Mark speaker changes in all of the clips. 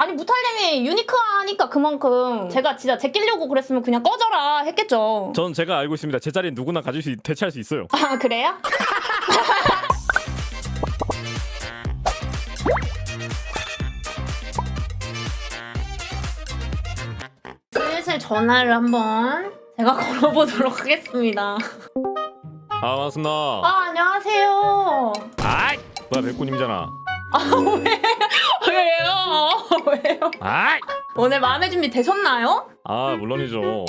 Speaker 1: 아니 무탈님이 유니크하니까 그만큼 제가 진짜 제끼려고 그랬으면 그냥 꺼져라 했겠죠.
Speaker 2: 전 제가 알고 있습니다. 제 자리는 누구나 대체할 수 있어요.
Speaker 1: 아 그래요? 슬슬 전화를 한번 제가 걸어보도록 하겠습니다.
Speaker 2: 아 반갑습니다.
Speaker 1: 아 안녕하세요.
Speaker 2: 아이 뭐야 백구님이잖아.
Speaker 1: 아 왜요? 왜요?
Speaker 2: 아이
Speaker 1: 오늘 마음의 준비 되셨나요?
Speaker 2: 아 물론이죠.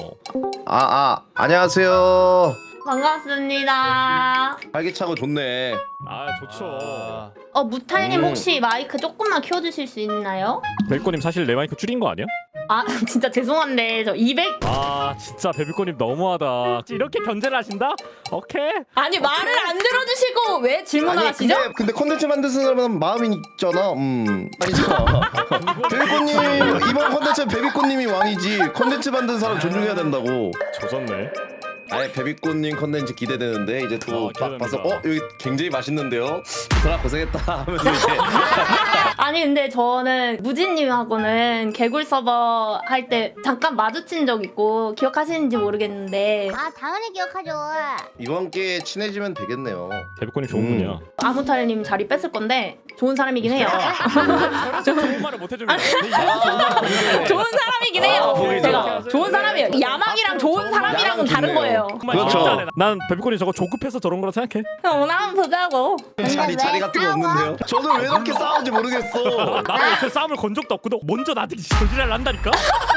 Speaker 3: 안녕하세요.
Speaker 1: 반갑습니다.
Speaker 3: 활기차고 좋네.
Speaker 2: 아 좋죠.
Speaker 1: 무탈님 혹시 마이크 조금만 키워주실 수 있나요?
Speaker 2: 백구님 사실 내 마이크 줄인 거 아니야?
Speaker 1: 아 진짜 죄송한데 저 200
Speaker 2: 아 진짜 베비꼬님 너무하다. 이렇게 견제를 하신다? 오케이.
Speaker 1: 아니 말을 안 들어주시고 왜 질문을 하시죠?
Speaker 3: 근데 콘텐츠 만드는 사람은 마음이 있잖아. 아니잖아. 베비꽃님 이번 콘텐츠 베비꽃님이 왕이지. 콘텐츠 만드는 사람 존중해야 된다고.
Speaker 2: 조졌네.
Speaker 3: 아예 베비꽃님 콘텐츠 기대되는데 이제 또
Speaker 2: 기대됩니다.
Speaker 3: 봐서 여기 굉장히 맛있는데요. 이사람 고생했다 하면서 이제
Speaker 1: 아니 근데 저는 무진님하고는 개굴 서버 할 때 잠깐 마주친 적 있고 기억하시는지 모르겠는데
Speaker 4: 아 당연히 기억하죠.
Speaker 3: 이번 기회에 친해지면 되겠네요.
Speaker 2: 베비꼬님 좋은 분이야.
Speaker 1: 아무탈님 자리 뺐을 건데 좋은 사람이긴 해요.
Speaker 2: 좋은 말을 못 해주면.
Speaker 1: 좋은 사람이긴 해요.
Speaker 3: 보이죠?
Speaker 1: 제가 좋은 사람이에요. 야망이랑 좋은 사람이랑은 다른 거예요.
Speaker 3: 그렇죠.
Speaker 2: 난 베비꼬님 저거 조급해서 저런 거라 생각해.
Speaker 1: 오늘 한번 보자고.
Speaker 3: 자리 같은 거 없는데요? 저는 왜 이렇게 싸우는지 모르겠어.
Speaker 2: 나도 요새 싸움을 건 적도 없고 너 먼저 나한테 저지랄 난다니까?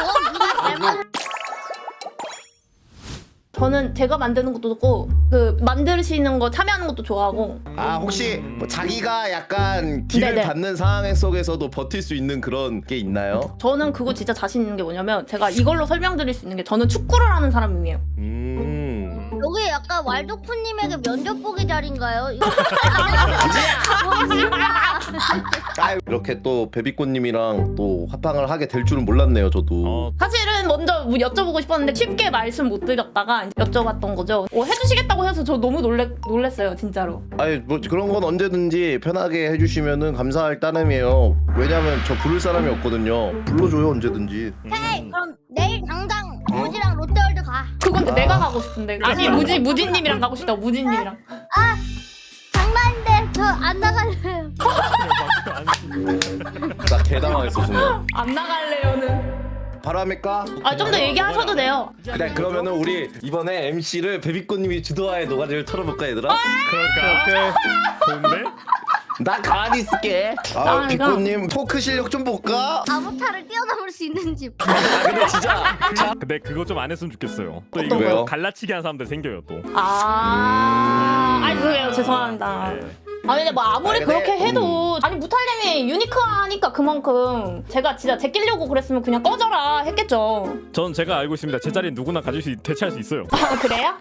Speaker 1: 저는 제가 만드는 것도 좋고 그 만드시는 거 참여하는 것도 좋아하고.
Speaker 3: 혹시 뭐 자기가 약간 딜을
Speaker 1: 네네.
Speaker 3: 받는 상황 속에서도 버틸 수 있는 그런 게 있나요?
Speaker 1: 저는 그거 진짜 자신 있는 게 뭐냐면 제가 이걸로 설명드릴 수 있는 게 저는 축구를 하는 사람이에요.
Speaker 4: 여기 약간 왈도프님에게 면접 보기 자리인가요? 이거
Speaker 3: 이렇게 또 베비꽃님이랑 또 합방을 하게 될 줄은 몰랐네요, 저도.
Speaker 1: 사실은 먼저 뭐 여쭤보고 싶었는데 쉽게 말씀 못 드렸다가 여쭤봤던 거죠. 해주시겠다고 해서 저 너무 놀랬어요 진짜로.
Speaker 3: 아니 뭐 그런 건 언제든지 편하게 해주시면은 감사할 따름이에요. 왜냐면 저 부를 사람이 없거든요. 불러줘요 언제든지.
Speaker 4: 헤이 그럼 내일 당장 무지랑 롯데월드 가.
Speaker 1: 그건 내가 가고 싶은데. 아니 무진님이랑 가고 싶다고 무진님이랑.
Speaker 4: 장난인데 저 안 나갈래요.
Speaker 3: 나 개당황했어 순간.
Speaker 1: 안 나갈래요는.
Speaker 3: 바로 합니까?
Speaker 1: 아 좀 더 얘기하셔도 돼요.
Speaker 3: 그래 그러면은 우리 이번에 MC를 베비꽃님이 주도하에 노가리를 털어볼까 얘들아?
Speaker 2: 그럴까? 오케이. 좋은데?
Speaker 3: 나 가만히 있을게.
Speaker 1: 아,
Speaker 3: 비꽃님 포크 실력 좀 볼까?
Speaker 4: 아무타를 뛰어넘을 수 있는지.
Speaker 3: 근데 진짜
Speaker 2: 근데 그거 좀 안 했으면 좋겠어요. 또
Speaker 3: 어떤
Speaker 2: 이거
Speaker 3: 거요?
Speaker 2: 갈라치기 하는 사람들 생겨요 또.
Speaker 1: 아니 그래요 죄송합니다.
Speaker 2: 네.
Speaker 1: 아니 근데 뭐 아무리
Speaker 3: 아니, 근데,
Speaker 1: 그렇게 해도 아니 무탈님이 유니크하니까 그만큼 제가 진짜 제끼려고 그랬으면 그냥 꺼져라 했겠죠.
Speaker 2: 전 제가 알고 있습니다. 제 자리는 누구나 대체할 수 있어요.
Speaker 1: 아 그래요?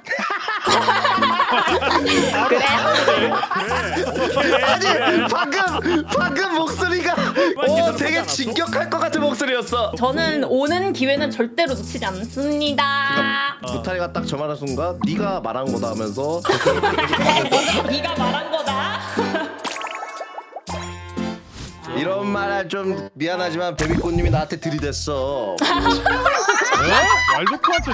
Speaker 1: 그래요?
Speaker 3: 아니 방금 목소리가 되게 진격할 것 같은 목소리였어.
Speaker 1: 저는 오는 기회는 절대로 놓치지 않습니다.
Speaker 3: 무타리가 딱 저 말한 순간 네가 말한 거다 하면서
Speaker 1: 네가 말한 거다.
Speaker 3: 이런 말 좀 미안하지만 베비꽃님이 나한테 들이댔어.
Speaker 5: 왈도프한테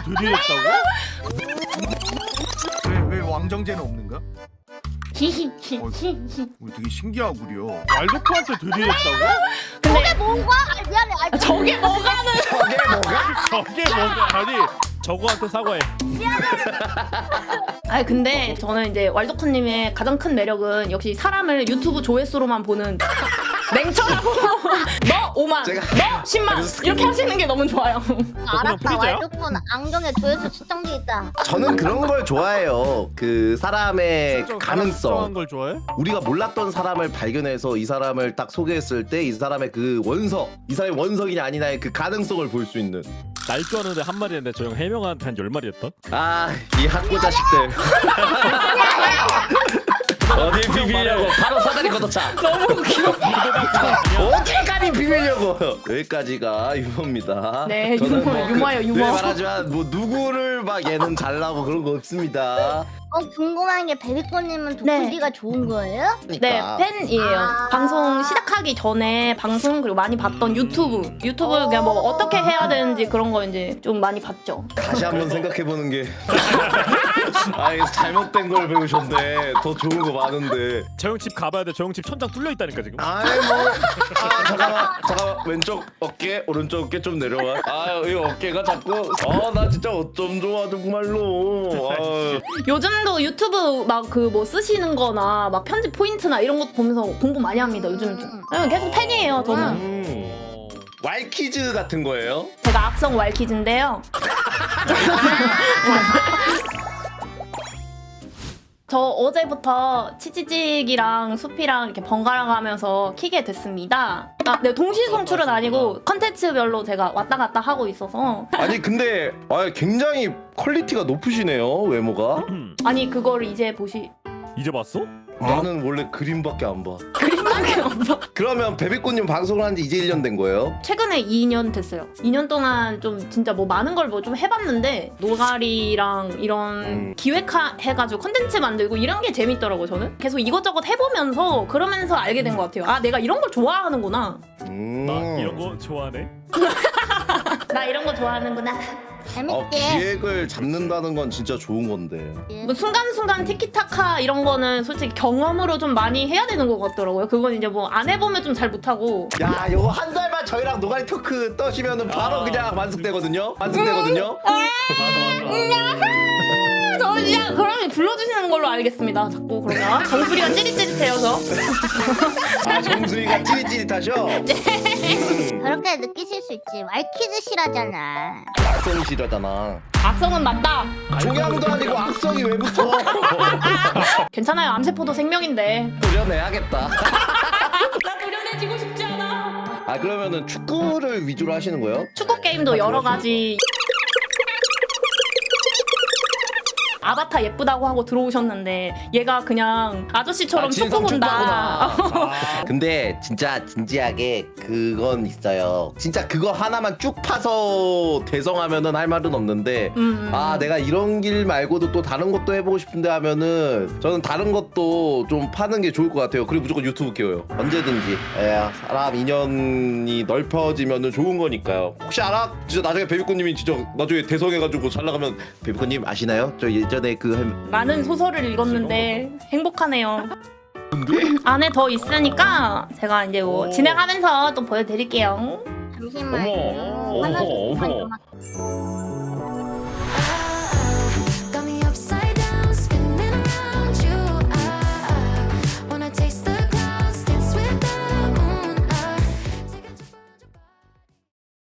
Speaker 5: 들이댔다고? 왜 왕정제는 없는가?
Speaker 1: 히히히히.
Speaker 5: 우리 되게 신기하구려. 왈도프한테 들이댔다고?
Speaker 1: 근데
Speaker 4: 뭔가? 아, 미안해. 아,
Speaker 1: 저게 뭐가는?
Speaker 2: 저게 뭐가? 아니 저거한테 사과해.
Speaker 1: 아니 근데 저는 이제 왈도크님의 가장 큰 매력은 역시 사람을 유튜브 조회수로만 보는 냉철하고 너 5만, 너 10만 이렇게 하시는 게 너무 좋아요.
Speaker 4: 알았다.
Speaker 2: 프리즈야?
Speaker 4: 왈도프는 안경에 조회수 측정기 있다.
Speaker 3: 저는 그런 걸 좋아해요. 그 사람의 그 가능성.
Speaker 5: 걸 좋아해?
Speaker 3: 우리가 몰랐던 사람을 발견해서 이 사람을 딱 소개했을 때 이 사람의 그 원석, 이 사람이 원석이냐 아니냐의 그 가능성을 볼 수 있는.
Speaker 2: 날 줄 아는데 한 마리 했는데 저 형 해명한테 한 10마리 했다?
Speaker 3: 이 학고 자식들. 어딜 비비려고 바로 사다리 걷어차.
Speaker 1: 너무 웃겨.
Speaker 3: 어디까지 비비려고. 여기까지가 유머입니다.
Speaker 1: 네,
Speaker 3: 저는
Speaker 1: 유머예요, 유머.
Speaker 3: 늘 말하지만 뭐 누구를 막 얘는 잘나고 그런 거 없습니다.
Speaker 4: 궁금한 게 베비꼬님은
Speaker 1: 네.
Speaker 4: 도쿠디가 좋은 거예요?
Speaker 1: 네,
Speaker 3: 그러니까.
Speaker 1: 팬이에요.
Speaker 4: 아.
Speaker 1: 방송 시작하기 전에 방송 그리고 많이 봤던 유튜브 그냥 뭐 어떻게 해야 되는지 그런 거 이제 좀 많이 봤죠.
Speaker 3: 다시 한번 생각해보는 게 아이 잘못된 걸 배우셨네. 더 좋은 거 많은데.
Speaker 2: 저 형 집 가봐야 돼. 저 형 집 천장 뚫려 있다니까 지금.
Speaker 3: 아이 잠깐만 왼쪽 어깨 오른쪽 어깨 좀 내려와. 이 어깨가 자꾸 나 진짜 어쩜 좋아 정말로.
Speaker 1: 요즘도 유튜브 막 그 뭐 쓰시는 거나 막 편집 포인트나 이런 것 보면서 공부 많이 합니다. 요즘 좀. 계속 팬이에요, 저는.
Speaker 3: 왈퀴즈 같은 거예요?
Speaker 1: 제가 악성 왈키즈인데요. 저 어제부터 치치직이랑 수피랑 이렇게 번갈아 가면서 키게 됐습니다. 네, 동시 송출은 아니고 컨텐츠별로 제가 왔다 갔다 하고 있어서.
Speaker 3: 아니 근데 굉장히 퀄리티가 높으시네요 외모가.
Speaker 1: 아니 그거를 이제 보시.
Speaker 2: 이제 봤어?
Speaker 3: 나는 원래 그림밖에 안 봐.
Speaker 1: 그림밖에 없어.
Speaker 3: 그러면 베비꽃님 방송을 한 지 이제 1년 된 거예요?
Speaker 1: 최근에 2년 됐어요. 2년 동안 좀 진짜 뭐 많은 걸 뭐 좀 해봤는데 노가리랑 이런 기획해가지고 컨텐츠 만들고 이런 게 재밌더라고요. 저는 계속 이것저것 해보면서 그러면서 알게 된 것 같아요. 아 내가 이런 걸 좋아하는구나.
Speaker 2: 나 이런 거 좋아하네.
Speaker 1: 나 이런 거 좋아하는구나.
Speaker 4: 재밌게.
Speaker 3: 기획을 잡는다는 건 진짜 좋은 건데.
Speaker 1: 뭐 순간순간 티키타카 이런 거는 솔직히 경험으로 좀 많이 해야 되는 것 같더라고요. 그건 이제 뭐 안 해보면 좀 잘 못하고.
Speaker 3: 야 요거 한 달만 저희랑 노가리 토크 떠시면은 바로 그냥 완숙되거든요. 완숙되거든요.
Speaker 1: 저 진짜 그러면 불러주시는 걸로 알겠습니다. 자꾸 그러면 정수리가 찌릿찌릿해서.
Speaker 3: 정수리가 찌릿찌릿하셔.
Speaker 4: 그렇게 느끼실 수 있지. 왈키즈 실하잖아.
Speaker 3: 악성이 싫어하잖아.
Speaker 1: 악성은 맞다.
Speaker 3: 종양도 아니고 악성이 왜 붙어?
Speaker 1: 괜찮아요. 암세포도 생명인데.
Speaker 3: 도려내야겠다.
Speaker 1: 나 도려내지고 싶지 않아.
Speaker 3: 그러면은 축구를 위주로 하시는 거예요?
Speaker 1: 축구 게임도 여러 가지. 아바타 예쁘다고 하고 들어오셨는데 얘가 그냥 아저씨처럼 축구 본다.
Speaker 3: 근데 진짜 진지하게 그건 있어요. 진짜 그거 하나만 쭉 파서 대성하면은 할 말은 없는데 내가 이런 길 말고도 또 다른 것도 해보고 싶은데 하면은 저는 다른 것도 좀 파는 게 좋을 것 같아요. 그리고 무조건 유튜브 끼워요. 언제든지. 사람 인연이 넓혀지면은 좋은 거니까요. 혹시 알아? 진짜 나중에 베비꽃님이 진짜 나중에 대성해가지고 잘 나가면 베비꽃님 아시나요? 저 예전에
Speaker 1: 많은 소설을 읽었는데 행복하네요. 안에 더 있으니까 제가 이제 뭐 진행하면서 또 보여드릴게요.
Speaker 4: 잠시만요.
Speaker 3: 어머,
Speaker 4: 하나
Speaker 3: 어머,
Speaker 4: 좀
Speaker 3: 어머.
Speaker 4: 좀